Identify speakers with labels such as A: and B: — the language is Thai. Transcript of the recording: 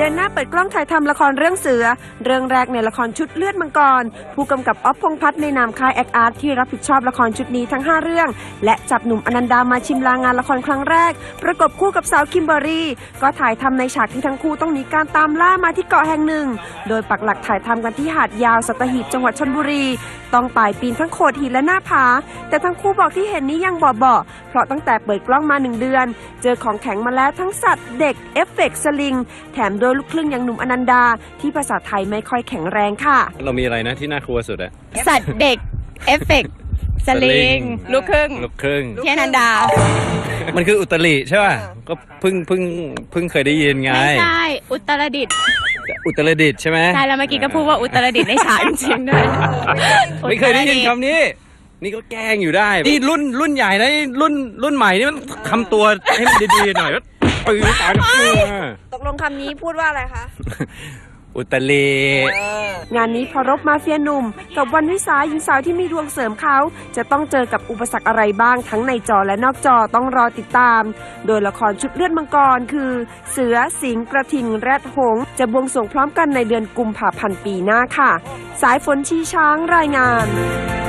A: ดินหน้าเปิดกล้องถ่ายทำละครเรื่องเสือเรื่องแรกในละครชุดเลือดมังกรผู้กำกับอ๊อฟพงษ์พัฒน์ในนามค่ายแอคอาร์ตที่รับผิดชอบละครชุดนี้ทั้ง5เรื่องและจับหนุ่มอนันดามาชิมลางงานละครครั้งแรกประกบคู่กับสาวคิมเบอรี่ก็ถ่ายทำในฉากที่ทั้งคู่ต้องหนีการตามล่ามาที่เกาะแห่งหนึ่งโดยปักหลักถ่ายทำกันที่หาดยาวสัตหีบจังหวัดชลบุรีต้องป่ายปีนทั้งโขดหินและหน้าผาแต่ทั้งคู่บอกที่เห็นนี้ยังเบาๆเพราะตั้งแต่เปิดกล้องมา1 เดือนเจอของแข็งมาแล้วทั้งสัตว์เด็กเอฟเฟกต์สลิงแถมโดยลูกครึ่งอย่างหนุ่มอนันดาที่ภาษาไทยไม่ค่อยแข็งแรงค่ะ
B: เรามีอะไรนะที่น่ากลัวสุดอะ
C: สัตว์เด็กเอฟเฟกต์สลิงลูกครึ่งที่อนันดา
B: มันคืออุตริใช่ป่ะก็เพิ่งเคยได้ยินไง
C: ไม่ใช่อุตรดิตถ์
B: ใช่ไหม
C: ใช่แล้วเมื่อกี้ก็พูดว่าอุตรดิตถ์ในฉากจริงๆด้วย
B: ไม่เคยได้ยินคำนี้นี่ก็แกล้งอยู่ได้นี่รุ่นใหญ่นะรุ่นใหม่นี่มันทำตัวให้มันดีๆหน่อยปืนตา
A: ตกลงคำนี้พูดว่าอะไรคะ
B: อุตริ
A: งานนี้พอรบมาเฟียหนุ่มกับวันวิสาหญิงสาวที่มีดวงเสริมเขาจะต้องเจอกับอุปสรรคอะไรบ้างทั้งในจอและนอกจอต้องรอติดตามโดยละครชุดเลือดมังกรคือเสือสิงห์กระทิงแรดหงส์จะบวงสรวงพร้อมกันในเดือนกุมภาพันธ์ปีหน้าค่ะสายฝนชีช้างรายงาน